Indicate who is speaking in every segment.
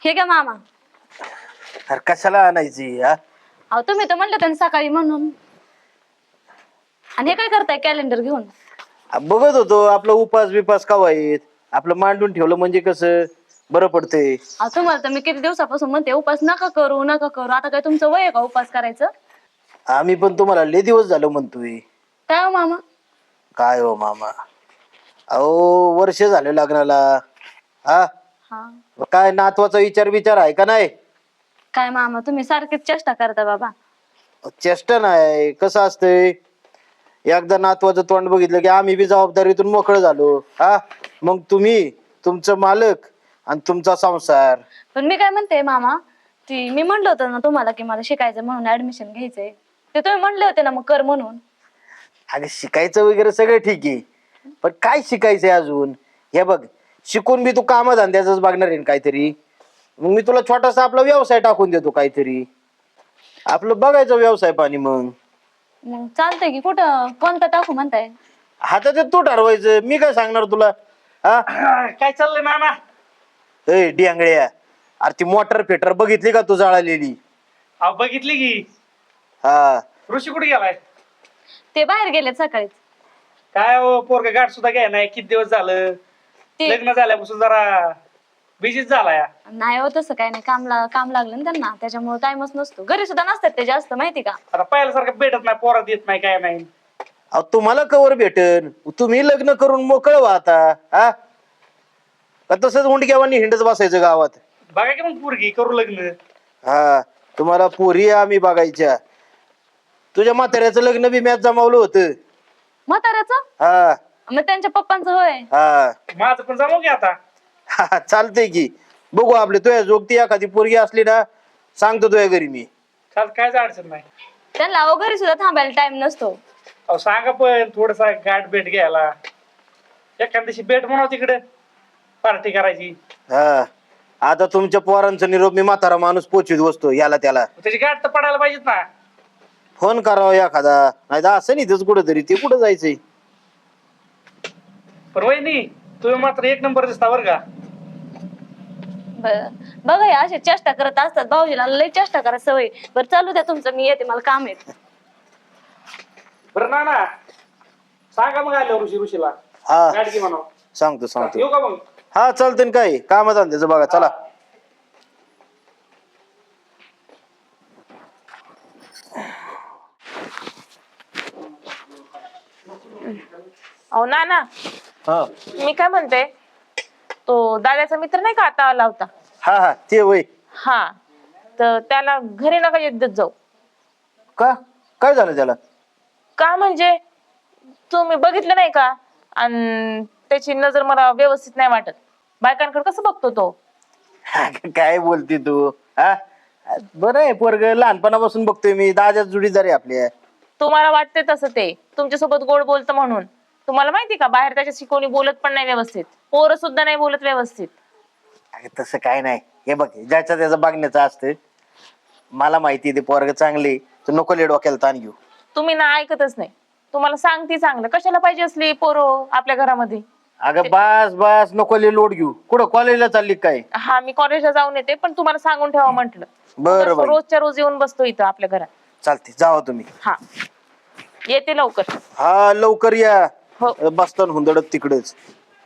Speaker 1: हे घ्या मामा.
Speaker 2: अरे कशाला आणायची हा?
Speaker 1: अहो तुम्ही तर म्हणलं त्यांनी सकाळी म्हणून. आणि हे काय करताय कॅलेंडर घेऊन?
Speaker 2: बघत होतो आपलं उपास बिपास कवा आहेत, आपलं मांडून ठेवलं म्हणजे कसं बरं पडतंय.
Speaker 1: अहो तुम्हाला तर मी किती दिवसापासून म्हणते उपास नका करू नका करू. आता काय तुमचं वय आहे का उपास करायचं?
Speaker 2: आम्ही पण तुम्हाला लय दिवस झालं म्हणतोय.
Speaker 1: काय हो मामा?
Speaker 2: काय हो मामा, अहो वर्ष झाले लग्नाला. हा
Speaker 1: हा.
Speaker 2: काय नातवाचा विचार आहे का नाही?
Speaker 1: काय मामा तुम्ही सारखीच चेष्टा करता बाबा.
Speaker 2: चेष्टा नाही, कसं असतंय, एकदा नातवाचं तोंड बघितलं की आम्ही बी जबाबदारीतून मोकळं झालो. हा मग तुम्ही तुमचं मालक आणि तुमचा संसार.
Speaker 1: पण मी काय म्हणते मामा, ती मी म्हणलं होतं ना तुम्हाला की मला शिकायचं म्हणून ऍडमिशन घ्यायचंय, ते तुम्ही म्हणले होते ना मग कर म्हणून.
Speaker 2: अगं शिकायचं वगैरे सगळं ठीक आहे, पण काय शिकायचंय अजून? हे बघ, शिकून बी तू कामधंद्याच बघणार आहे ना काहीतरी. मग मी तुला छोटासा आपला व्यवसाय टाकून देतो काहीतरी, आपलं बघायचं व्यवसाय पाणी. मग
Speaker 1: मग चालतंय की, कुठं कोणतं टाकू म्हणताय?
Speaker 2: हातात तू ठरवायचं, मी काय सांगणार तुला. हा
Speaker 3: काय चाललंय मामा?
Speaker 2: ए डियांगळ्या, अरे ती मोटर फेटर बघितली का तू जळालेली?
Speaker 3: अहो बघितली की.
Speaker 2: हा
Speaker 3: ऋषी कुठे गेलाय?
Speaker 1: ते बाहेर गेलेत सकाळीच.
Speaker 3: काय हो पोरगा गाठ सुद्धा घ्याय नाही, किती दिवस झालं.
Speaker 1: ते
Speaker 3: लग्न झाल्यापासून जरा बिझीच झालाय.
Speaker 1: नाही हो तसं काय नाही, काम लागलं ना त्यांना, त्याच्यामुळे टाइमच नसतो. घरी सुद्धा नसतात ते जास्त, माहिती का?
Speaker 3: आता पहिल्यासारखं भेटत नाही, पोरात येत नाही, काय नाही.
Speaker 2: अहो तुम्हाला कवर भेटन, तुम्ही लग्न करून मोकळ व्हा आता. हा का तसंच उंडक्यावानी हिंडत बसायचं गावात?
Speaker 3: बघा की मग पोरगी करू लग्न.
Speaker 2: हा तुम्हाला पोरी आम्ही बघायच्या. तुझ्या म्हाताऱ्याचं लग्न बी मॅच जमावलं होतं.
Speaker 1: म्हाताऱ्याचं?
Speaker 2: हा
Speaker 1: मग त्यांच्या पप्पांचं होय?
Speaker 2: हा
Speaker 3: माझं पण जमव की आता.
Speaker 2: हा, चालतंय की. बघू आपले तुझ्या जोगती एखादी पोरगी असली ना, सांगतो तुझ्या घरी मी.
Speaker 3: चाल, कायच अडचण नाही.
Speaker 1: त्यांना अहो घरी सुद्धा थांबायला टाइम नसतो.
Speaker 3: अहो सांगा पण थोडसा गाठ भेट घ्यायला. एखाद्या दिवशी भेट म्हणाव तिकडे, पार्टी करायची.
Speaker 2: हा आता तुमच्या पोरांचा निरोप मी म्हातारा माणूस पोचवीत बसतो याला त्याला.
Speaker 3: त्याची गाठ तर पडायला पाहिजेत ना.
Speaker 2: फोन करावा एखादा, नाही तर असं नाही तेच कुठं तरी, ते कुठं जायचंय?
Speaker 3: पण वहिनी तुम्ही मात्र एक नंबर दिसता बरं का.
Speaker 1: बघा या असे चेष्टा करत असतात, भाऊजीला लय चेष्टा करा सवय. बरं चालू द्या तुमचं, मी येते, मला काम आहे.
Speaker 3: बरं ना सांगा मग आल्यावर ऋषीला
Speaker 2: हा
Speaker 3: गाठ घे म्हणाव.
Speaker 2: सांगतो.
Speaker 3: येऊ का मग?
Speaker 2: हा चालतंय ना, काय काम धंद्याचं बघा, चला.
Speaker 4: अहो ना
Speaker 2: हा
Speaker 4: मी काय म्हणते, तो दादाचा मित्र नाही का आता आला होता?
Speaker 2: हा हा ते वय.
Speaker 4: हा, तर त्याला घरी नका येत देत जाऊ.
Speaker 2: का काय झालं त्याला?
Speaker 4: का म्हणजे तुम्ही बघितलं नाही का? आणि त्याची नजर मला व्यवस्थित नाही वाटत. बायकांकडे कसं बघतो तो.
Speaker 2: काय बोलते तू? हा बरं आहे पोरग, लहानपणापासून बघतोय मी, दादाच जुडीदार आहे आपल्या.
Speaker 4: तुम्हाला वाटते तसं, ते तुमच्यासोबत गोड बोलतं म्हणून. तुम्हाला माहिती का बाहेर त्याच्याशी कोणी बोलत पण नाही व्यवस्थित, पोरं सुद्धा नाही बोलत व्यवस्थित.
Speaker 2: अगं तसं काय नाही, हे बघ ज्याच्या त्याचं बघण्याचं असतं. मला माहिती आहे ते पोरग चांगले, तू नको ले डोक्याला ताण घेऊ.
Speaker 4: तुम्ही ना ऐकतच नाही. तुम्हाला सांगते चांगलं, कशाला पाहिजे असली पोरं आपल्या घरामध्ये?
Speaker 2: अगं बस नको ले लोड घेऊ. कुठं कॉलेजला चालली काय?
Speaker 4: हा, मी कॉलेजला जाऊन येते, पण तुम्हाला सांगून ठेवा म्हंटल.
Speaker 2: बरं बाई.
Speaker 4: रोजच्या रोज येऊन बसतो इथं आपल्या घरात.
Speaker 2: चालते, जावा तुम्ही.
Speaker 4: हा, येते लवकर.
Speaker 2: हा लवकर या.
Speaker 4: हो.
Speaker 2: बसताना हुंदडत तिकडेच.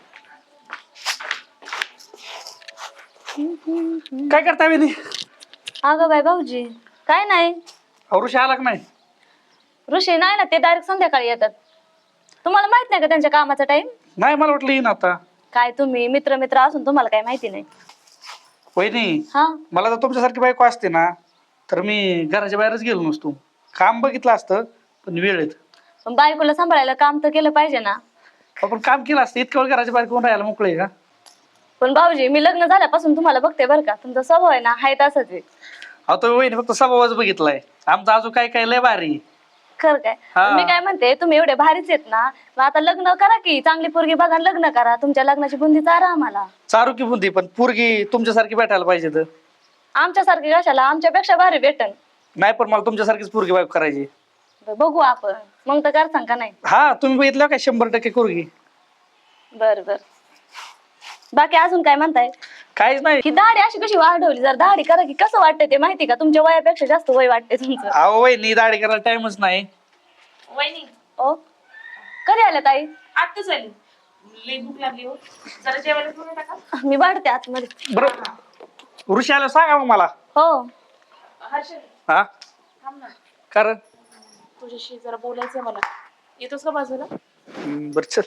Speaker 3: काय करता वहिनी?
Speaker 1: अगं बाय भाऊजी, काय नाही.
Speaker 3: अहो ऋषी आला का नाही?
Speaker 1: ऋषी नाही ना, ते डायरेक्ट संध्याकाळी येतात. तुम्हाला माहित नाही का त्यांच्या कामाचा टाइम?
Speaker 3: नाही, मला वाटलं येईन आता.
Speaker 1: काय तुम्ही मित्र असून तुम्हाला काय माहिती नाही?
Speaker 3: वहिनी
Speaker 1: हा,
Speaker 3: मला जर तुमच्यासारखी बायको असते ना, तर मी घराच्या बाहेरच गेलो नसतो. काम बघितलं असतं, पण वेळेत.
Speaker 1: पण बायकोला सांभाळायला काम तर केलं पाहिजे ना.
Speaker 3: आपण काम केलं असतं, इतकं वेळ घराच्या बाहेर कोण राहायला मोकळे का?
Speaker 1: पण भाऊजी, मी लग्न झाल्यापासून तुम्हाला बघते बरं का, तुमचा स्वभाव आहे ना हाय तसाच आहे.
Speaker 3: अहो तुम्ही वहिनी फक्त स्वभावच बघितलाय, आमचा अजून काय काय लय भारी.
Speaker 1: खरं काय?
Speaker 3: हा.
Speaker 1: मी काय म्हणते, तुम्ही एवढे भारीच आहेत ना, मग आता लग्न करा की, चांगली पोरगी बघा आणि लग्न करा. तुमच्या लग्नाची बुंदी चारा आम्हाला.
Speaker 3: चारू की बुंदी, पण पोरगी तुमच्यासारखी भेटायला पाहिजे. तर
Speaker 1: आमच्यासारखी कशाला, आमच्यापेक्षा भारी भेटन.
Speaker 3: नाही, पण मला तुमच्यासारखीच पोरगी बायको करायची.
Speaker 1: बघू आपण, मग तर करसान का नाही?
Speaker 3: हा, तुम्ही बघितलं काय 100% पोरगी.
Speaker 1: बर बर. बाकी अजून काय म्हणताय?
Speaker 3: काहीच नाही.
Speaker 1: ही दाढी अशी कशी वाढवली? जर दाढी करा की कसं वाटतं ते माहिती का? तुमच्या वयापेक्षा जास्त वय वाटते तुमचं.
Speaker 3: अहो वहिनी दाढी करायला टाइमच नाही.
Speaker 4: वहिनी
Speaker 1: ओ कधी आल्या ताई?
Speaker 4: आत्ताच आली. लई भूक लागली हो. जरा जेवायला घेऊन येता का?
Speaker 1: मी वाढते आतमध्ये.
Speaker 3: बरं ऋषी आलं सांगा मग मला.
Speaker 1: हो
Speaker 4: हर्षल
Speaker 3: हा
Speaker 4: थांब ना,
Speaker 3: कारण
Speaker 4: तुझ्याशी जरा बोलायचंय मला. येतोस का बाजूला?
Speaker 3: बर चल.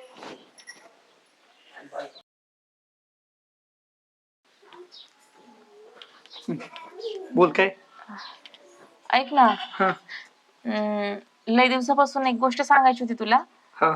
Speaker 3: बोल काय.
Speaker 4: ऐक ना,
Speaker 3: हा
Speaker 4: लई दिवसापासून एक गोष्ट सांगायची होती तुला.
Speaker 3: हा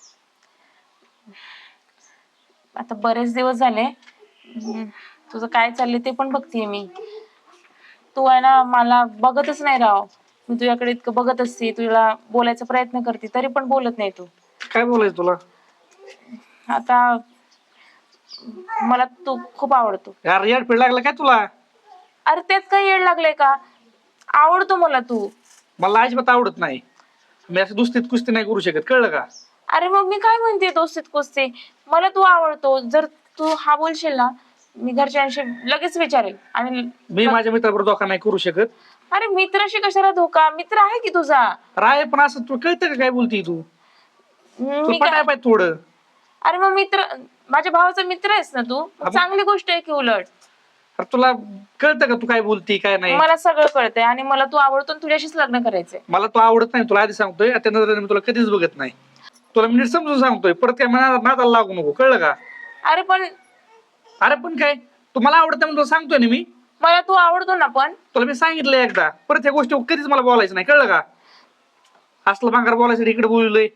Speaker 4: आता बरेच दिवस झाले. तुझं काय चाललंय ते पण बघतीये मी. तू आहे ना मला बघतच नाही राव. मी तुझ्याकडे इतकं बघत असते, तुला बोलायचा प्रयत्न करते, तरी पण बोलत नाही तू.
Speaker 3: काय बोलायचं तुला.
Speaker 4: आता मला तू खूप आवडतो.
Speaker 3: यार येडपीड लागलं काय तुला.
Speaker 4: अरे त्यात काही येड लागलंय का? आवडतो मला तू.
Speaker 3: मला अजिबात आवडत नाही. मी असं दुस्तीत कुस्ती नाही करू शकत, कळलं का.
Speaker 4: अरे मग मी काय म्हणते दोस्तीत कुस्ती? मला तू आवडतो. जर तू हा बोलशील ना, मी घरच्यांशी लगेच विचारेल. आणि
Speaker 3: मी माझ्या मित्राबरोबर धोका नाही करू शकत.
Speaker 4: अरे मित्राशी कशाला धोका? मित्र आहे की तुझा.
Speaker 3: राय पण असं तू कळतं का काय बोलती तू. तू
Speaker 4: मी
Speaker 3: पटाय
Speaker 4: काय?
Speaker 3: पाहिजे थोडं.
Speaker 4: अरे मग मित्र, माझ्या भावाचा मित्र आहेस ना तू. चांगली गोष्ट आहे की उलट.
Speaker 3: अरे तुला कळतं का तू काय बोलती काय नाही.
Speaker 4: मला सगळं कळतंय आणि मला तू आवडतो आणि तुझ्याशीच लग्न करायचंय.
Speaker 3: मला तू आवडत नाही, तुला आधी सांगतोय. त्या नजरेने मी तुला कधीच बघत नाही. तुला मी नीट समजून सांगतोय, परत काय नादाला लागू नको, कळलं का.
Speaker 4: अरे पण
Speaker 3: अरे पण काय, तू मला आवडत नाही म्हणून तुला सांगतोय ना मी.
Speaker 4: मला तू आवडतो ना पण.
Speaker 3: तुला मी सांगितलं एकदा, परत ह्या गोष्टी कधीच मला बोलायचं नाही, कळलं का. असलं भांगार बोलायसाठी इकडे बोललोय.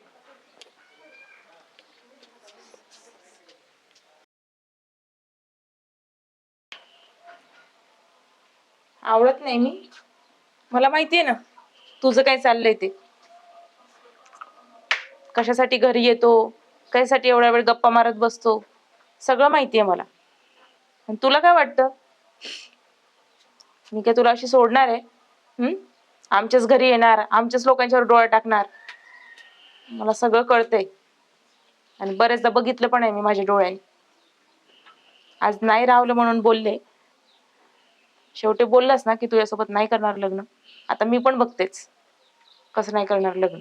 Speaker 4: आवडत नाही मी. मला माहितीये ना तुझं काय चाललंय ते. कशासाठी घरी येतो, कशासाठी एवढा वेळ गप्पा मारत बसतो, सगळं माहितीये मला. आणि तुला काय वाटतं, मी काय तुला अशी सोडणार आहे? आमच्याच घरी येणार, आमच्याच लोकांच्यावर डोळा टाकणार. मला सगळं कळतंय आणि बरेचदा बघितलं पण आहे मी माझ्या डोळ्याने. आज नाही राहलं म्हणून बोलले. शेवटी बोललास ना की तुझ्यासोबत नाही करणार लग्न. आता मी पण बघतेच कसं नाही करणार लग्न.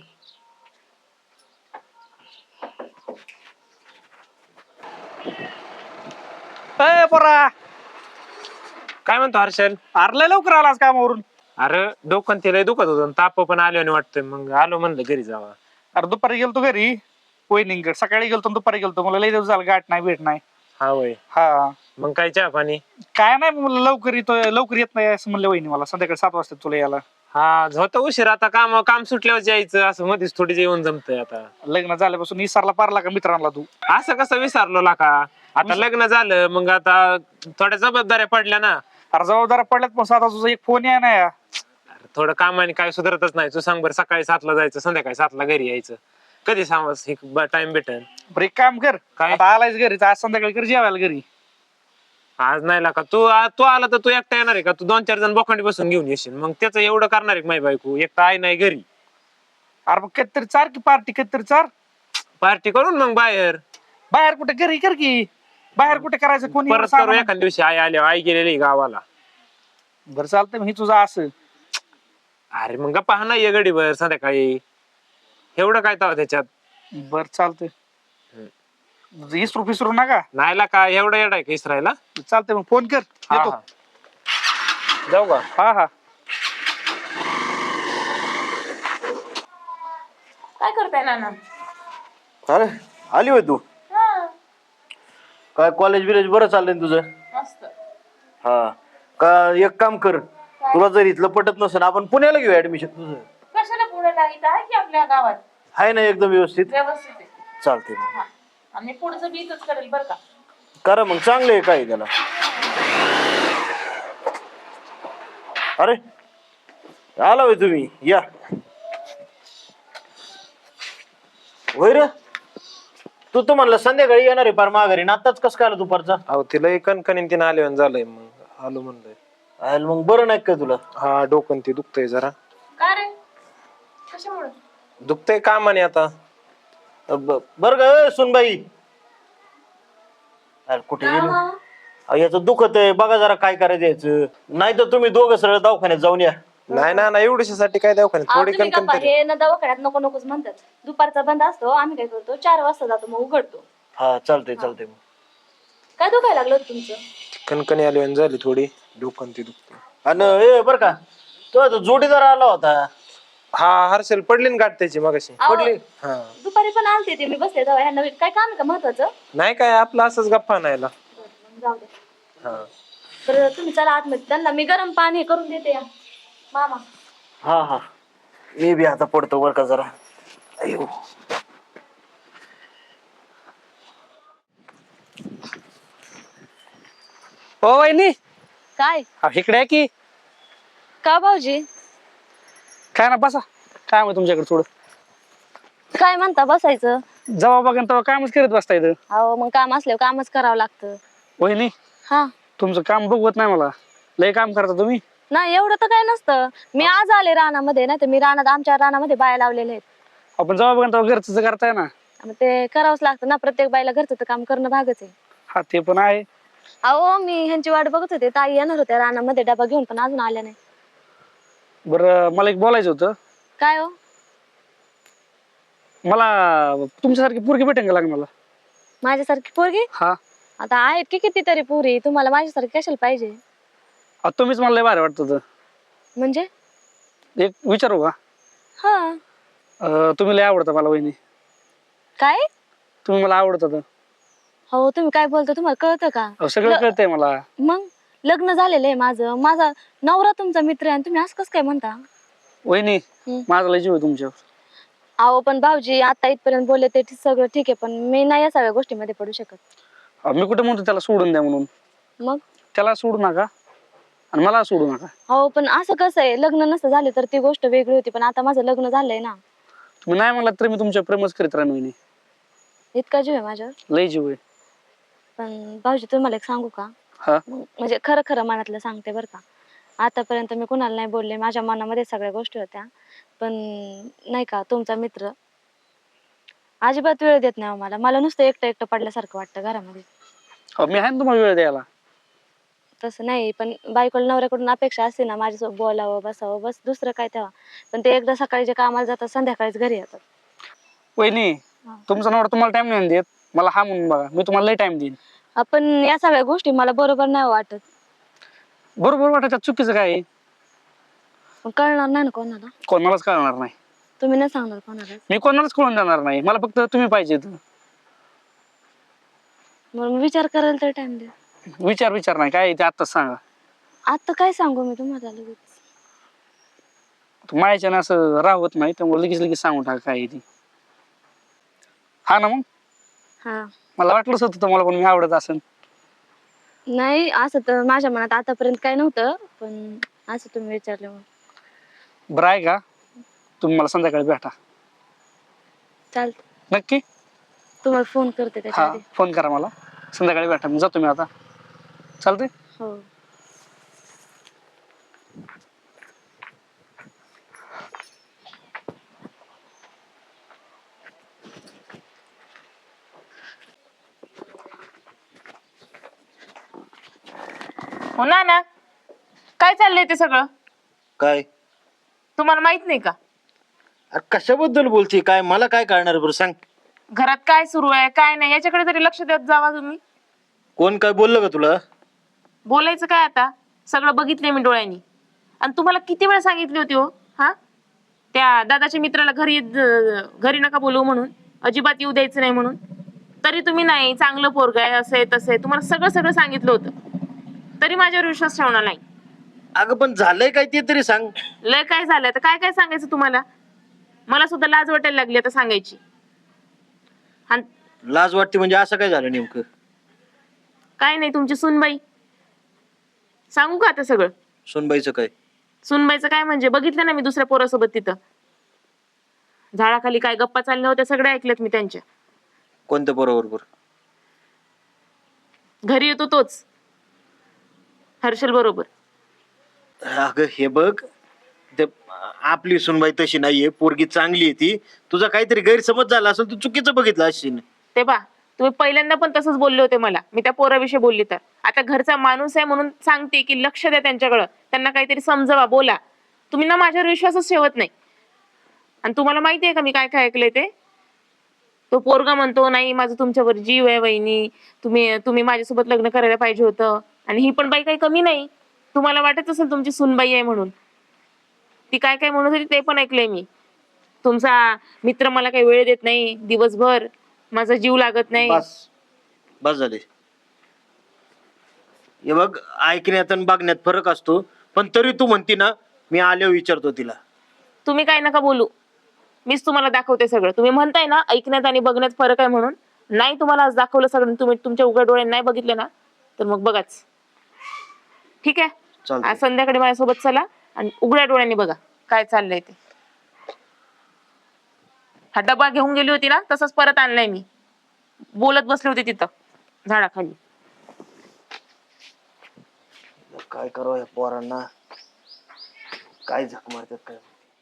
Speaker 3: ए पोरा,
Speaker 5: काय म्हणतो हर्षल?
Speaker 3: अरे लवकर आलास कामावरून.
Speaker 5: अरे डोकं ते लय दुखत होतं, ताप पण आलो आणि वाटतंय, मग आलो म्हणलं घरी जावा.
Speaker 3: अरे दुपारी गेलतो घरी वहिनींकडे, सकाळी गेलतो दुपारी गेलतो. मला लई दिवस झाला गाठ नाही, भेट नाही.
Speaker 5: हा होय.
Speaker 3: हा
Speaker 5: मग काय चहा पाणी?
Speaker 3: काय नाही, मला लवकर येत नाही असं म्हणलं वहिनी मला. संध्याकाळी 7 वाजता तुला यायला.
Speaker 5: हा होतं उशीर. आता काम सुटल्यावर यायचं, असं मध्येच थोडी जेवण जमतंय. आता
Speaker 3: लग्न झाल्यापासून विसरला पारला का मित्रांना तू.
Speaker 5: असं कसं विसरलो ला का. आता लग्न झालं, मग आता थोड्या जबाबदाऱ्या पडल्या ना.
Speaker 3: अरे जबाबदाऱ्या पडल्यात, पण आता तुझा एक फोन आहे ना.
Speaker 5: अरे थोडं कामाने काय सुधारतच नाही. तू सांग बरं, सकाळी 7ला जायचं, संध्याकाळी 7ला घरी यायचं. कधी सांग टाइम भेटेल.
Speaker 3: बरं एक काम कर,
Speaker 5: काय?
Speaker 3: आता आलायच घरी तर आज संध्याकाळी कर जेवायला घरी.
Speaker 5: आज नाही ला का. तू आला तर तू एकटा येणार आहे का? तू 2-4 जण बोखांडी बसून घेऊन येशील, मग त्याचं एवढं करणार आहे माझी बायको. एकटा आई नाही घरी.
Speaker 3: अरे मग कधीतरी चार की पार्टी, कधीतरी चार.
Speaker 5: पार्टी करून मग बाहेर
Speaker 3: कुठे घरी कर की. बाहेर कुठे करायचं कोणी
Speaker 5: परत करू एखाद्या दिवशी. आई आल्या, आई गेलेली गावाला.
Speaker 3: बरं चालतंय, मग ही तुझं असं.
Speaker 5: अरे मग गप्पा हा नाही गडीवर संध्याकाळी. एवढं काय ताव त्याच्यात.
Speaker 3: बरं चालतंय, विसरू नका.
Speaker 5: नाही ला का, एवढं येड आहे का इसरायला.
Speaker 3: चालतंय, मग फोन कर,
Speaker 5: हा,
Speaker 3: येतो.
Speaker 5: हा. जाऊ का?
Speaker 3: हा हा.
Speaker 4: काय करताय नाना?
Speaker 2: अरे आली होय तू. काय कॉलेज बिलेज बरं चाललंय ना तुझं.
Speaker 4: मस्त.
Speaker 2: हा का, एक काम कर, तुला जर इथलं पटत नसेल आपण पुण्याला घेऊ ऍडमिशन तुझं.
Speaker 4: कशाला पुण्याला? इथं आहे की आपल्या गावात.
Speaker 2: आहे ना एकदम व्यवस्थित.
Speaker 4: व्यवस्थित आहे.
Speaker 2: चालते मग.
Speaker 4: हा. आणि पुढचं बी इथंच करेल बरं का.
Speaker 2: करा मग, चांगलं आहे काय त्याला. अरे आला होय तुम्ही, या. होय रे, तू म्हणलं संध्याकाळी येणार आहे पार माघारी ना, आताच कस काय आला दुपारचा.
Speaker 5: अहो तिला कणकणीन तीन आले झालंय, मग आलो म्हणलंय.
Speaker 2: मग बरं नाही का तुला.
Speaker 5: हा डोकं ते दुखतंय जरा.
Speaker 4: का रे? कशामुळे?
Speaker 5: दुखतंय कामाने आता.
Speaker 2: बरं का सुनबाई. अरे कुठे गेली. अहो, याचं दुखत आहे, बघा जरा काय करायचं याचं. नाही तर तुम्ही दोघं सरळ दवाखान्यात जाऊन या.
Speaker 5: नाही ना एवढ्यासाठी काय दवाखान्यात थोडी
Speaker 1: तुम्ही
Speaker 5: कणकण
Speaker 1: गप्पा,
Speaker 5: तरी.
Speaker 1: हे ना दवाखान्यात नको नकोच म्हणतात. दुपारचा बंद असतो, आम्ही काय करतो 4 वाजता जातो मग उघडतो.
Speaker 2: हा चालतंय चालतंय मग.
Speaker 1: काय दुखायला लागलं होतं तुमचं?
Speaker 5: कणकणी आली आणि झाली थोडी डोकं ती दुखते.
Speaker 2: आणि हे बर का, तो आता जोडीदार आला होता.
Speaker 5: हा हर्षल पडली ना गाठ त्याची मगाशी.
Speaker 1: अहो,
Speaker 2: पडली.
Speaker 5: हा
Speaker 1: दुपारी पण आलते ते, मी बसले तेव्हा. ह्यांना काय काम आहे का महत्वाचं?
Speaker 5: नाही काय आपलं असंच गप्पा नाहीला.
Speaker 1: मग जाऊ दे.
Speaker 5: हा
Speaker 1: तर तुम्ही चला आतमध्ये, त्यांना मी गरम पाणी करून देते या मामा.
Speaker 2: हा हा, मी बी आता पडतो बर का जरा. अयो
Speaker 6: हो वहिनी,
Speaker 1: काय
Speaker 6: इकडे आहे की.
Speaker 1: का भाऊजी?
Speaker 6: काय ना बसा, काय मग तुमच्याकडे थोडं
Speaker 1: काय म्हणता बसायचं?
Speaker 6: जवा बघा तेव्हा कामच करत बसता इथं.
Speaker 1: अहो मग काम असल्यावर कामच करावं लागतं.
Speaker 6: वहिनी,
Speaker 1: हा
Speaker 6: तुमचं काम बघवत नाही मला. लय काम करता तुम्ही.
Speaker 1: नाही एवढं तर काय नसतं. मी आज आले रानामध्ये, नाही तर मी आमच्या रानामध्ये बाया लावलेल्या आहेत.
Speaker 6: आपण जवा बघा तेव्हा घरचं करताय ना.
Speaker 1: मग ते करावंच लागतं ना, प्रत्येक बाईला घरचं तर काम करणं भागच आहे.
Speaker 6: हा ते पण आहे.
Speaker 1: अहो मी ह्यांची वाट बघत होते, ताई येणार होत्या रानामध्ये डबा घेऊन, पण अजून आल्या नाही.
Speaker 6: बरं मला एक बोलायचं होतं.
Speaker 1: काय हो?
Speaker 6: मला तुमच्यासारखी पोरगी भेटेन का लग्नाला?
Speaker 1: माझ्यासारखी पोरगी?
Speaker 6: हा
Speaker 1: आता आहेत की कितीतरी पोरी, तुम्हाला माझ्यासारखी कशाला पाहिजे?
Speaker 6: तुम्हीच मला लय भारी वाटत होतं.
Speaker 1: म्हणजे?
Speaker 6: एक विचारू का?
Speaker 1: हा.
Speaker 6: तुम्ही लय आवडता मला वहिनी.
Speaker 1: काय?
Speaker 6: तुम्ही मला आवडत होतं.
Speaker 1: हो तुम्ही काय बोलता, तुम्हाला कळतं का?
Speaker 6: सगळं कळतंय मला.
Speaker 1: मग लग्न झालेलं आहे माझं, माझा नवरा तुमचा मित्र आहे आणि तुम्ही असं कसं काय म्हणता?
Speaker 6: वहिनी माझा लय जीव आहे तुमच्यावर.
Speaker 1: अहो पण भाऊजी आता इथपर्यंत बोलले ते सगळं ठीक आहे, पण मी नाही या सगळ्या गोष्टीमध्ये पडू शकत.
Speaker 6: मी कुठे म्हणतो त्याला सोडून द्या म्हणून.
Speaker 1: मग
Speaker 6: त्याला सोडू नका आणि मला सोडू नका.
Speaker 1: हो पण असं कसं आहे, लग्न नसतं झाले तर ती गोष्ट वेगळी होती, पण आता माझं लग्न झालंय ना.
Speaker 6: तुम्ही नाही म्हणला तरी मी तुमच्या प्रेमच करीत राहीन वहिनी.
Speaker 1: इतका जीव आहे माझ्यावर.
Speaker 6: लय जीव आहे.
Speaker 1: पण भाऊजी तुम्हाला एक सांगू का?
Speaker 6: हा
Speaker 1: म्हणजे खरं खरं मनातलं सांगते बरं का. आतापर्यंत मी कुणाला नाही बोलले, माझ्या मनामध्ये सगळ्या गोष्टी होत्या, पण नाही का तुमचा मित्र अजिबात वेळ देत नाही मला. मला नुसतं एकटं एकटं पडल्यासारखं वाटतं घरामध्ये.
Speaker 6: मी आहे ना तुम्हाला वेळ द्यायला.
Speaker 1: तसं नाही, पण बायकोला नवऱ्याकडून अपेक्षा असते ना माझ्यासोबत बोलावं बसावं, बस दुसरं काय तेव्हा. पण ते एकदा सकाळी जे कामाला जातात संध्याकाळीच घरी येतात.
Speaker 6: वहिनी तुमचा नवरा तुम्हाला टाइम नाही देत, मला हा म्हणून बघा मी तुम्हाला लय टाइम देईन.
Speaker 1: आपण या सगळ्या गोष्टी मला बरोबर नाही वाटत.
Speaker 6: बरोबर वाटायचं चुकीचं काय आहे?
Speaker 1: पण कळणार नाही ना कोणाला.
Speaker 6: कोणालाच कळणार नाही.
Speaker 1: तुम्ही नाही सांगणार कोणाला.
Speaker 6: मी कोणालाच कळून देणार नाही. मला फक्त तुम्ही पाहिजे.
Speaker 1: मग विचार करायला तर टाइम द्या.
Speaker 6: विचार नाही काय ते आत्ताच सांगा.
Speaker 1: आता काय सांगू मी तुम्हाला लगेच.
Speaker 6: मायाच्यानं असं राहत नाही, त्यामुळे लगेच सांगून टाका काय आहे ती. हा ना मग
Speaker 1: हा
Speaker 6: मला वाटलंच होतं तुम्हाला पण मी आवडत असेल.
Speaker 1: नाही असं तर माझ्या मनात आतापर्यंत काय नव्हतं, पण असं तुम्ही विचारलं मग.
Speaker 6: बरं आहे का, तुम्ही मला संध्याकाळी भेटा.
Speaker 1: चालतं,
Speaker 6: नक्की.
Speaker 1: तुम्हाला फोन करते त्याच्या
Speaker 6: हा
Speaker 1: आधी.
Speaker 6: फोन करा मला, संध्याकाळी भेटा. मी जातो मी आता. चालतंय.
Speaker 1: हो.
Speaker 4: हो ना काय चाललंय ते सगळं
Speaker 2: काय?
Speaker 4: तुम्हाला माहित नाही का?
Speaker 2: अरे कशाबद्दल बोलते, काय मला काय कळणार बरं सांग.
Speaker 4: घरात काय सुरू आहे काय नाही याच्याकडे तरी लक्ष देत जावा तुम्ही.
Speaker 2: कोण काय बोललं का तुला?
Speaker 4: बोलायचं काय आता, सगळं बघितलंय मी डोळ्यांनी. आणि तुम्हाला किती वेळा सांगितली होती हो, हा त्या दादाच्या मित्राला घरी नका बोलवू म्हणून, अजिबात येऊ द्यायचं नाही म्हणून. तरी तुम्ही नाही, चांगलं पोरग आहे असं आहे तसं आहे, तुम्हाला सगळं सांगितलं होतं, तरी माझ्यावर विश्वास ठेवणार नाही.
Speaker 2: अगं पण झालंय काय ते तरी सांग.
Speaker 4: लय काय झालं तर काय काय सांगायचं तुम्हाला. मला सुद्धा लाज वाटायला लागली आता सांगायची.
Speaker 2: लाज वाटते म्हणजे असं काय झालं नेमकं?
Speaker 4: काय नाही, तुमची सुनबाई. सांगू का आता सगळं?
Speaker 2: सुनबाईचं काय?
Speaker 4: सुनबाईचं काय म्हणजे बघितलं ना मी दुसऱ्या पोरासोबत तिथं झाडाखाली काय गप्पा चालल्या होत्या, सगळ्या ऐकल्यात मी त्यांच्या.
Speaker 2: कोणत्या बरोबर?
Speaker 4: घरी येतो तोच, हर्षल बरोबर.
Speaker 2: अगं हे बघ, ते आपली सुनबाई तशी नाहीये, पोरगी चांगली आहे ती. तुझा काहीतरी गैरसमज झाला असेल, तू चुकीचं बघितलं असशील.
Speaker 4: ते बा तुम्ही पहिल्यांदा पण तसंच बोलले होते मला, मी त्या पोराविषयी बोलली तर. आता घरचा माणूस आहे म्हणून सांगते की लक्ष द्या त्यांच्याकडं, त्यांना काहीतरी समजवा, बोला. तुम्ही ना माझ्यावर विश्वासच ठेवत नाही. आणि तुम्हाला माहिती आहे का मी काय काय ऐकलंय ते? तो पोरगा म्हणतो नाही माझं तुमच्यावर जीव आहे वहिनी, तुम्ही तुम्ही माझ्यासोबत लग्न करायला पाहिजे होतं. आणि ही पण बाई काही कमी नाही. तुम्हाला वाटत असेल तुमची सूनबाई आहे म्हणून. ती काय काय म्हणत होती ते पण ऐकलंय मी. तुमचा मित्र मला काही वेळ देत नाही दिवसभर, माझा जीव लागत नाही.
Speaker 2: बस बस झाले. हे बघ, ऐकण्यात आणि बघण्यात फरक असतो, पण तरी तू म्हणती ना, मी आल्यावर विचारतो तिला.
Speaker 4: तुम्ही काय नका बोलू, मीच तुम्हाला दाखवते सगळं. तुम्ही म्हणताय ना ऐकण्यात आणि बघण्यात फरक आहे म्हणून, नाही तुम्हाला आज दाखवलं सगळं, तुम्ही तुमच्या उघड्या डोळ्याने नाही बघितलं ना, तर मग बघाच. ठीक आहे,
Speaker 2: चालतंय.
Speaker 4: आज संध्याकाळी माझ्यासोबत चला आणि उघड्या डोळ्याने बघा काय चाललंय ते. हा डबा घेऊन गेली होती ना, तसंच परत आणलाय मी. बोलत बसले होते तिथं झाडाखाली.
Speaker 2: काय करावं या पोरांना, काय झक मारतात काय.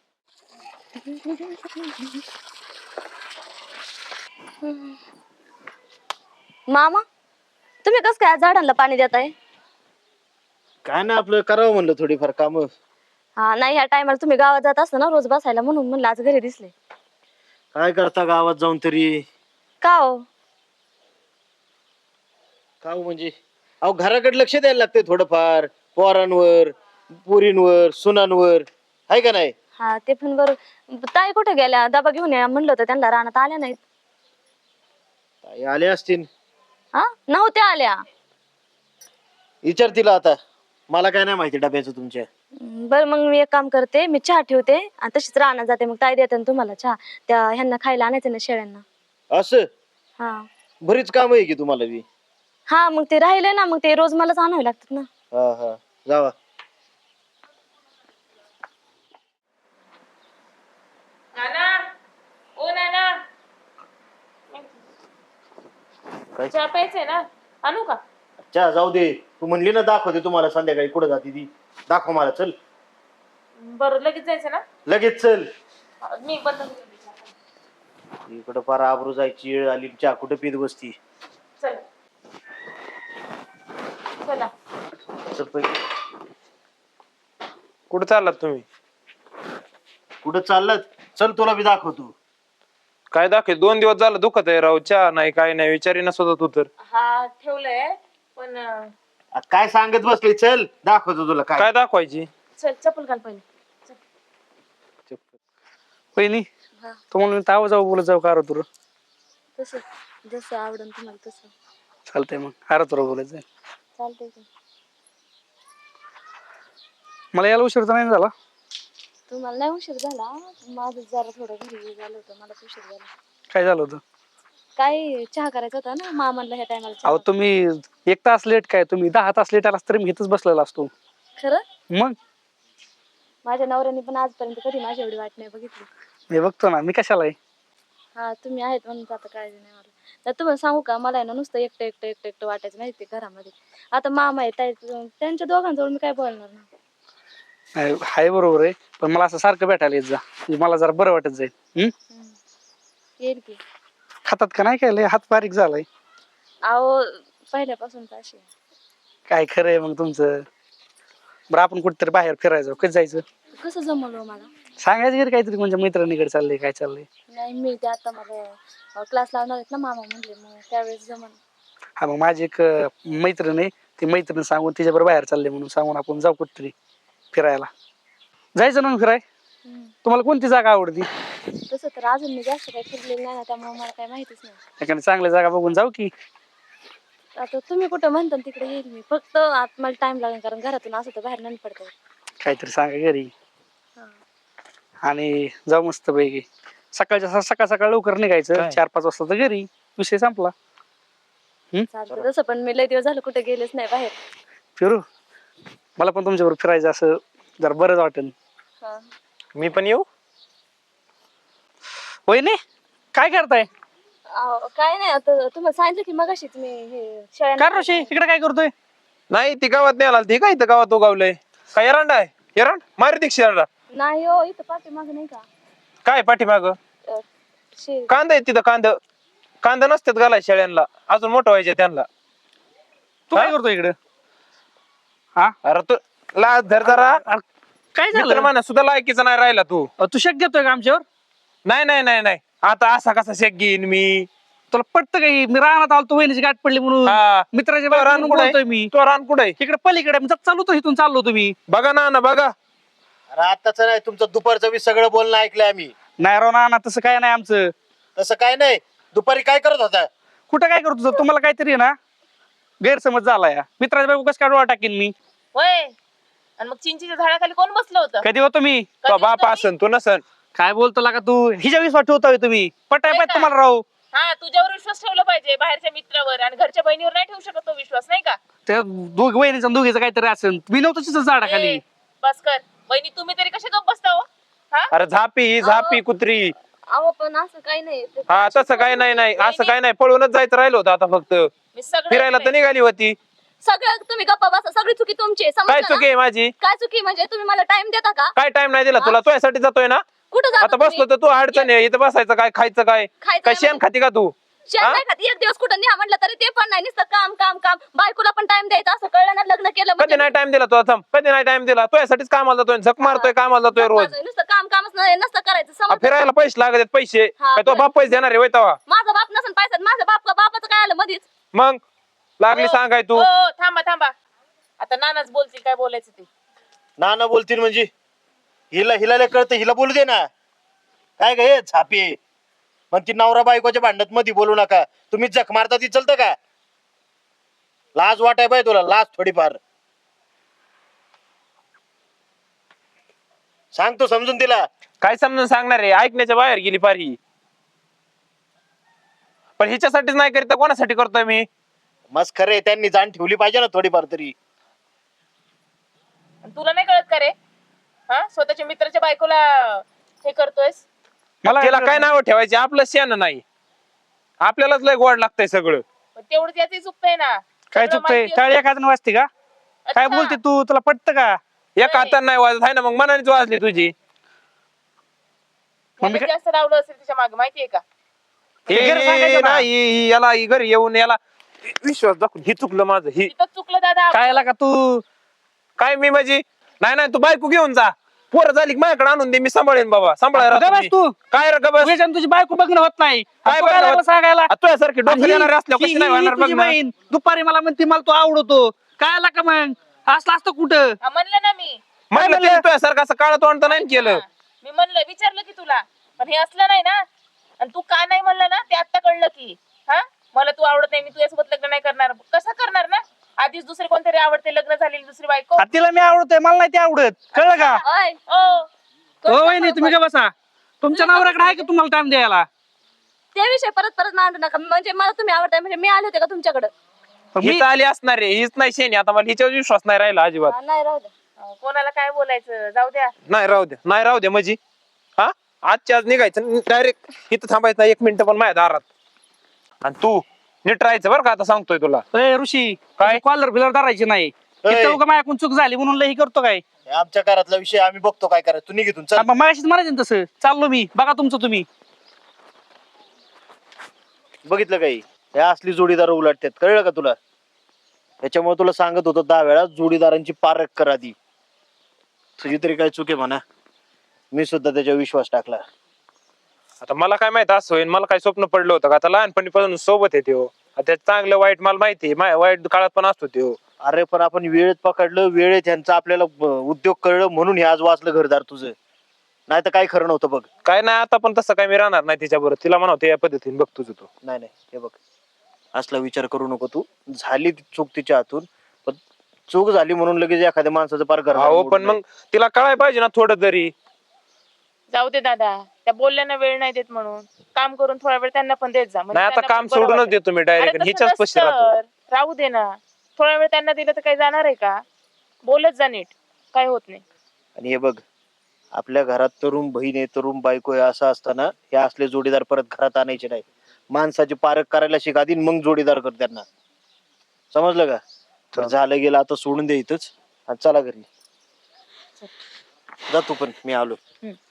Speaker 1: मामा, तुम्ही कसं काय आज झाडांना पाणी देताय?
Speaker 2: काय ना, आपलं करावं म्हणलं थोडीफार काम.
Speaker 1: हा नाही, ह्या टायमाला तुम्ही गावात जात असता ना रोज बसायला, म्हणून म्हणलं आज घरी दिसले.
Speaker 2: काय करता गावात जाऊन तरी?
Speaker 1: का हो?
Speaker 2: का हो म्हणजे, अहो घराकडे लक्ष द्यायला लागते थोडंफार, पोरांवर, पुरींवर, सुनांवर, आहे का नाही?
Speaker 1: हा ते पण बरोबर. ताई कुठे गेल्या? डबा घेऊन या म्हणलं होतं त्यांना, रानात आल्या नाहीत.
Speaker 2: ताई आले असतील.
Speaker 1: हा नव्हत्या आल्या.
Speaker 2: विचार तिला आता, मला काय नाही माहिती डब्याचं तुमच्या.
Speaker 1: बरं मग मी एक काम करते, मी चहा ठेवते आणि तशीच रानात जाते, मग ताई देते ना तुम्हाला चहा. त्या ह्यांना खायला आणायचं ना शेळ्यांना.
Speaker 2: असं
Speaker 1: हा
Speaker 2: बरीच काम आहे की तुम्हाला बी.
Speaker 1: हा मग ते राहिले ना, मग ते रोज मलाच आणावे लागतात ना.
Speaker 2: हा हा, जावा.
Speaker 4: नाना, ओ नाना,
Speaker 2: काय
Speaker 4: चहा प्यायचंय ना, आणू का?
Speaker 2: चहा जाऊ दे, तू म्हणली ना दाखवते तुम्हाला संध्याकाळी कुठं जाते ती. दाखव मला, चल
Speaker 4: बरं लगेच जायचं ना?
Speaker 2: लगेच चल.
Speaker 4: मी बंद करते चहा.
Speaker 2: इकडं फार आबरू जायची वेळ आली, चहा कुठं पीत बसती.
Speaker 4: चल चला.
Speaker 2: चल पहिले.
Speaker 5: कुठं चाललात तुम्ही?
Speaker 2: कुठं चाललं? चल तुला बी दाखवतो.
Speaker 5: काय दाखल 2 दिवस झालं दुखत आहे राव, चहा नाही काय नाही, विचारीनच होता तू तर.
Speaker 4: हा ठेवलंय पण
Speaker 2: काय सांगत बसली, चल दाखवतो तुला काय.
Speaker 5: काय दाखवायची?
Speaker 4: चल चप्पल घाल पहिले.
Speaker 6: पहिली
Speaker 1: हा.
Speaker 6: तुम्हाला ताव जाऊ बोलत जाऊ का तुला?
Speaker 1: तसं जसं आवडन तुम्हाला तसं
Speaker 6: चालतंय मग, अरे तुला बोलत जाईल.
Speaker 1: चालतंय की.
Speaker 6: मला यायला उशीर तर नाही झाला.
Speaker 1: तुम्हाला नाही उशीर झाला, माझं जरा थोडं घरी झालं होतं, मला उशीर झाला.
Speaker 6: काय झालं होतं?
Speaker 1: काय चहा करायचा होता ना, मामाला ह्या टायमाला
Speaker 6: अहो
Speaker 1: चहा.
Speaker 6: तुम्ही 1 तास लेट काय, तुम्ही 10 तास लेट आलास तरी मी इथंच बसलेला असतो.
Speaker 1: खरं
Speaker 6: मग
Speaker 1: माझ्या नवऱ्याने पण आजपर्यंत कधी माझी एवढी वाट नाही बघितली.
Speaker 6: मी बघतो ना, मी कशाला आहे.
Speaker 1: हा तुम्ही आहेत म्हणून आता काळजी नाही मला. तर तुम्हाला सांगू का, मला आहे ना नुसतं एकटं एकटं एकटं एकटं वाटायचं माहिती घरामध्ये. आता मामा आहे, त्यांच्या दोघांजवळ मी काय बोलणार ना.
Speaker 6: नाही, हाय बरोबर आहे, पण मला असं सारखं भेटायला येत जा, म्हणजे मला जरा बरं वाटत जाईल.
Speaker 1: येईल की.
Speaker 6: खातात का नाही काय, लय हात बारीक झालाय.
Speaker 1: अहो पहिल्यापासून अशी
Speaker 6: काय खरं आहे मग तुमचं. बरं आपण कुठेतरी बाहेर फिरायचं, कधी जायचं?
Speaker 1: कसं जमवलं मला.
Speaker 6: सांगायचं घरी काहीतरी, म्हणजे मैत्रिणीकडे चाललंय, काय चाललंय.
Speaker 1: नाही मी ते आता मला क्लास लावणार आहेत ना मामा म्हणले, मग त्यावेळेस जमन.
Speaker 6: हा मग माझी एक मैत्रीण आहे, ती मैत्रीण सांगून तिच्याबरोबर बाहेर चालले म्हणून सांगून आपण जाऊ कुठेतरी फिरायला. जायचं ना मग फिराय. तुम्हाला कोणती जागा आवडती?
Speaker 1: तसं तर अजून मी जास्त काही फिरलेलं नाही ना, त्यामुळे मला काही माहितीच नाही.
Speaker 6: एखादी चांगली जागा बघून जाऊ की.
Speaker 1: आता तुम्ही कुठं म्हणता तिकडे येईल मी, फक्त आत मला टाइम लागेल, कारण घरातून असं तर बाहेर नाही पडतं.
Speaker 6: काहीतरी सांगा घरी
Speaker 1: हा.
Speaker 6: आणि जाऊ मस्त पैकी. सकाळच्या सकाळ सकाळ लवकर निघायचं,
Speaker 5: काय?
Speaker 6: 4-5 वाजता तर घरी, विषय संपला.
Speaker 1: चालतं तसं, पण मी लय दिवस झालं कुठे गेलेच नाही बाहेर.
Speaker 6: फिरू, मला पण तुमच्याबरोबर फिरायचं असं जरा बरंच वाटेल.
Speaker 1: हा.
Speaker 5: मी पण येऊ?
Speaker 6: होय नाही, काय करताय?
Speaker 1: काय नाही, आता तुम्हाला सांगितलं की मगाशीच मी हे शेळ्यांना
Speaker 6: काय ऋषी इकडे काय करतोय?
Speaker 5: नाही ती गावात नाही आला, ती काय इथं गावात उगावलंय. काय एरंड आहे? एरंड मारी दीक्षित एरंडा.
Speaker 1: नाही हो, इथं पाठी माग नाही का
Speaker 5: काय पाठीमाग?
Speaker 1: अं,
Speaker 5: कांदा आहे तिथं, कांद. कांदा नसतात घालाय शेळ्यांना, अजून मोठं व्हायचे त्यांना.
Speaker 6: तू काय करतो इकडे? हा
Speaker 5: अरे तू लाज धर जरा.
Speaker 6: अरे, काय
Speaker 5: मित्र
Speaker 6: झालं?
Speaker 5: म्हणा सुद्धा लायकीचा नाही राहिला तू.
Speaker 6: तू शक घेतोय का आमच्यावर?
Speaker 5: नाही नाही नाही नाही, आता असा कसा शेक घेईन मी?
Speaker 6: तुला पटतं काही? मी रानात आलतो, वहिनीची गाठ पडली म्हणून.
Speaker 5: हा.
Speaker 6: मित्राच्या
Speaker 5: तो रान
Speaker 6: बायकोला
Speaker 5: कुठे
Speaker 6: बोलतोय मी.
Speaker 5: तो रान कुठे?
Speaker 6: इकडे पलीकडे मी चाललो होतो, इथून चाललो तुम्ही.
Speaker 5: बघा ना बघा.
Speaker 2: अरे आताच नाही, तुमचं दुपारचं बी सगळं बोलणं ऐकलंय आम्ही.
Speaker 6: नाही राव ना, तसं काय नाही आमचं.
Speaker 2: तसं काय नाही. दुपारी काय करत होता?
Speaker 6: कुठं काय करतो सर? तुम्हाला काहीतरी आहे ना गैरसमज झाला या. मित्राच्या बायको कसं काय डोळा टाकीन मी?
Speaker 4: होय. आणि मग चिंचेच्या झाडाखाली कोण बसलं होतं?
Speaker 6: कधी होतो मी?
Speaker 5: तो बाप असन तू नसन.
Speaker 6: काय बोलतो का तू? हिच्या विश्वास ठेवतोय तुम्ही? पटाय
Speaker 4: होय
Speaker 6: पाहिजे
Speaker 4: का?
Speaker 6: तुम्हाला राव.
Speaker 4: हा, तुझ्यावर विश्वास ठेवला पाहिजे, बाहेरच्या मित्रावर. आणि घरच्या बहिणीवर नाही ठेवू शकत तो विश्वास, नाही का?
Speaker 6: त्या दोघ वहिनीचा दोघीचं काहीतरी असेल. मी नव्हतो तिथं झाडाखाली.
Speaker 4: ए, बस कर. बहिणी तुम्ही तरी कसे गप्प बसता हो? हा?
Speaker 5: अरे झापी झापी कुत्री.
Speaker 1: अहो पण असं काही नाही ते
Speaker 5: हा तसं काय नाही नाही, असं काय नाही. पळूनच जायचं राहिलं होतं आता फक्त.
Speaker 4: मी सगळं
Speaker 5: फिरायला तर
Speaker 4: ऐकलंय.
Speaker 5: निघाली होती.
Speaker 1: सगळं तुम्ही गप्पा बसा, सगळी चुकी तुमची आहे,
Speaker 5: काय
Speaker 1: समजलं
Speaker 5: चुकी
Speaker 1: ना?
Speaker 5: आहे माझी?
Speaker 1: काय चुकी म्हणजे तुम्ही मला टाइम देता का?
Speaker 5: काय टाइम नाही दिला तुला? तुझ्यासाठी जातोय ना.
Speaker 1: कुठं जाता
Speaker 5: आता बसलो तर तू अडचण आहे. इथं बसायचं काय, खायचं काय?
Speaker 1: खायचं
Speaker 5: काय
Speaker 1: नाही
Speaker 5: शेण खाती का तू?
Speaker 1: शेण नाही खात. एक दिवस कुठं न्या म्हटलं तरी ते पण नाही, नुसतं काम काम काम. बायकोला पण टाइम द्यायचा, असं कळलं ना? लग्न केलं
Speaker 5: कधी
Speaker 1: म्हणजे
Speaker 5: नाही टाइम दिला तुला? थांब, कधी नाही टाइम दिला? तुझ्यासाठीच कामाला जातोय, झक मारतोय, कामाला जातोय रोज.
Speaker 1: माझं नुसतं काम कामच नाही, नसतं करायचं, समजलं?
Speaker 5: फिरायला पैसे लागत आहेत, पैसे.
Speaker 1: हा,
Speaker 5: काय तो बाप पैसे देणार आहे होय तेव्हा?
Speaker 1: माझा बाप नसेल पैसा, माझ्या बापाचं काय आलं मधीच?
Speaker 5: मग लागली
Speaker 4: हो,
Speaker 5: सांगाय तू.
Speaker 4: हो, थांबा थांबा. आता नानाच बोलतील काय बोलायचं ते.
Speaker 2: ना बोलतील म्हणजे हिला हिला कळतं, हिला बोलू दे ना. काय ग हे छापे? मग ती नवरा बायकोच्या भांडत मध्ये बोलू नका. तुम्ही जख मारता ती चलतं का? लाज वाटाय पाहिजे तुला, लाज थोडीफार. सांगतो समजून तिला.
Speaker 5: काय समजून सांगणार आहे? ऐकण्याच्या बाहेर गेली पारी. पण हिच्यासाठीच नाही करीत तर कोणासाठी करतोय मी?
Speaker 2: मस्त खरे, त्यांनी जाण ठेवली पाहिजे ना थोडीफार तरी.
Speaker 4: आणि तुला नाही कळत का रे? हा, स्वतःच्या मित्राच्या बायकोला हे करतोयस.
Speaker 6: मला
Speaker 5: तिला काय नाव ठेवायचे? आपलं शेण नाही. आपल्यालाच लय गोड लागतंय सगळं.
Speaker 4: पण तेवढंच याच चुकतंय ना.
Speaker 6: काय
Speaker 4: सगळं
Speaker 6: चुकतंय?
Speaker 4: माहिती
Speaker 6: टाळी
Speaker 4: असतं.
Speaker 6: एखादं वाजते का? काय
Speaker 4: अच्छा.
Speaker 6: बोलते तू? तुला पटतं का?
Speaker 5: एक हाताने नाही वाजत आहे ना, मग मनानेच वाजली तुझी.
Speaker 6: मग मी
Speaker 4: ह्याला जास्त लावलं असेल तिच्या मागे, माहितीये का?
Speaker 6: घरी सांगायचं ना.
Speaker 5: नाही याला घरी येऊन याला विश्वास दाखवून ही चुकलं माझं. ही
Speaker 4: तिथं चुकलं दादा.
Speaker 6: काय का तू?
Speaker 5: काय मी माझी नाही नाही, तू बायको घेऊन जा. पोरं झाली की माझ्याकडे आणून दे, मी सांभाळेन बाबा.
Speaker 6: गबस
Speaker 5: सांभाळायला
Speaker 6: तू.
Speaker 5: काय रे गबस?
Speaker 6: तुझ्याच्यानं तुझी बायको बघणं होत नाही.
Speaker 5: काय
Speaker 6: तू
Speaker 5: बघणं
Speaker 6: लागला
Speaker 5: होत?
Speaker 6: सांगायला?
Speaker 5: तुझ्यासारखी डोक्यात
Speaker 6: ही-
Speaker 5: येणारे असल्यावर
Speaker 6: ही-
Speaker 5: कशी नाही
Speaker 6: ही
Speaker 5: होणार बघ
Speaker 6: तुझी
Speaker 5: ना.
Speaker 6: बहीण दुपारी मला म्हणते मला तू आवडतो. काय आला का मग? असलं असतं कुठं?
Speaker 4: हा, म्हणलं ना मी.
Speaker 5: म्हणलं
Speaker 6: म्हणलं?
Speaker 5: तरी तुझ्यासारखं असं काळं तोंड तर नाही केलं.
Speaker 4: हा, मी म्हणलं, विचारलं की तुला. पण हे असलं नाही ना. आणि तू का नाही म्हणलं ना, ते आता कळलं की. हा, मला तू आवडत नाही, मी तुझ्यासोबत लग्न नाही करणार. कसं करणार ना? आधीच दुसरे कोणतरी आवडते, लग्न झालेली दुसरी बायको.
Speaker 6: आ, तिला मी आवडतोय, मला नाही ते आवडत. कळलं का?
Speaker 1: ओय,
Speaker 4: ओ,
Speaker 6: हो वहिनी, तुम्ही का बसा. तुमच्या नवऱ्याकडे आहे का तुम्हाला टाइम द्यायला?
Speaker 1: ते विषय परत परत मांडू नका. म्हणजे मला तुम्ही आवडताय म्हणजे मी आले होते का तुमच्याकडे?
Speaker 6: पण मी
Speaker 5: हीच आली असणार रे, हीच नाही शेणी. आता मला हिच्यावर विश्वास नाही राहिला अजिबात.
Speaker 1: नाही राहू द्या.
Speaker 4: कोणाला काय बोलायचं, जाऊ द्या.
Speaker 5: नाही राहू दे, नाही राहू दे म्हणजे. हा, आजच्या आज निघायचं डायरेक्ट. इथं थांबायचं नाही 1 मिनिट पण माझ्या दारात. आणि तू नीट राहायचं बरं का, आता सांगतोय तुला.
Speaker 6: ए, ऋषी
Speaker 5: काय?
Speaker 6: कॉलर बिलर धरायची नाही.
Speaker 2: ए.
Speaker 6: इथं उगा माझ्याकडून चूक झाली म्हणून लई करतो काय?
Speaker 2: हे आमच्या घरातला विषय, आम्ही बघतो काय करायचं. तू निघितून चल.
Speaker 6: मग मागाशीच म्हणायचं ना तसं. चाललो मी, बघा तुमचं तुम्ही.
Speaker 2: बघितलं काही? हे असली जोडीदार उलटतात, कळलं का तुला? त्याच्यामुळे तुला सांगत होतो 10 वेळा जोडीदारांची पारख कर आधी. तुझी तरी काय चुके म्हणा. मी सुद्धा त्याच्यावर विश्वास टाकला.
Speaker 5: आता मला काय माहित असं होईल? मला काय स्वप्न पडलं होतं का? आता लहानपणीपासून सोबत आहे त्यो. आता चांगलं वाईट मला माहिती आहे. वाईट काळात पण असतो त्यो.
Speaker 2: अरे पण आपण वेळेत पकडलं, वेळेत ह्यांचा आपल्याला उद्योग कळलं म्हणून हे आज वाचलं घरदार तुझं. नाही तर काय खरं नव्हतं बघ.
Speaker 5: काय नाही, आता पण तसं काय मी राहणार नाही तिच्याबरोबर. तिला म्हणावं या पद्धतीने बघ तुझं तू.
Speaker 2: नाही नाही, हे बघ, असला विचार करू नको तू. झाली ती चूक तिच्या हातून, पण चूक झाली म्हणून लगेच एखाद्या माणसाचं पार घर
Speaker 5: हो पण मग तिला कळाय पाहिजे ना थोडं तरी.
Speaker 4: जाऊ दे दादा, त्या बोलल्याना वेळ नाही देत म्हणून काम करून थोडा वेळ त्यांना पण देत जा. म्हणजे
Speaker 5: नाही आता
Speaker 4: त्यांना
Speaker 5: काम
Speaker 4: पण बरं
Speaker 5: सोडूनच
Speaker 4: वाटेल.
Speaker 5: देतो मी
Speaker 4: अरे
Speaker 5: डायरेक्ट.
Speaker 4: तसं
Speaker 5: हिच्याच पशी राहतो.
Speaker 4: नसतं. राहू दे ना, थोडा वेळ त्यांना दिलं तर काही जाणार आहे का? बोलत जा नीट, काय होत नाही.
Speaker 2: आणि हे बघ, आपल्या घरात तरुण बहीण आहे, तरुण बायको आहे, असं असताना हे असले जोडीदार परत घरात आणायचे नाही. माणसाची पारख करायला शिका आधी, मग जोडीदार कर त्यांना. समजलं का? तर झालं गेलं, आता सोडून दे इथंच आणि चला घरी. जा तू पण, मी आलो.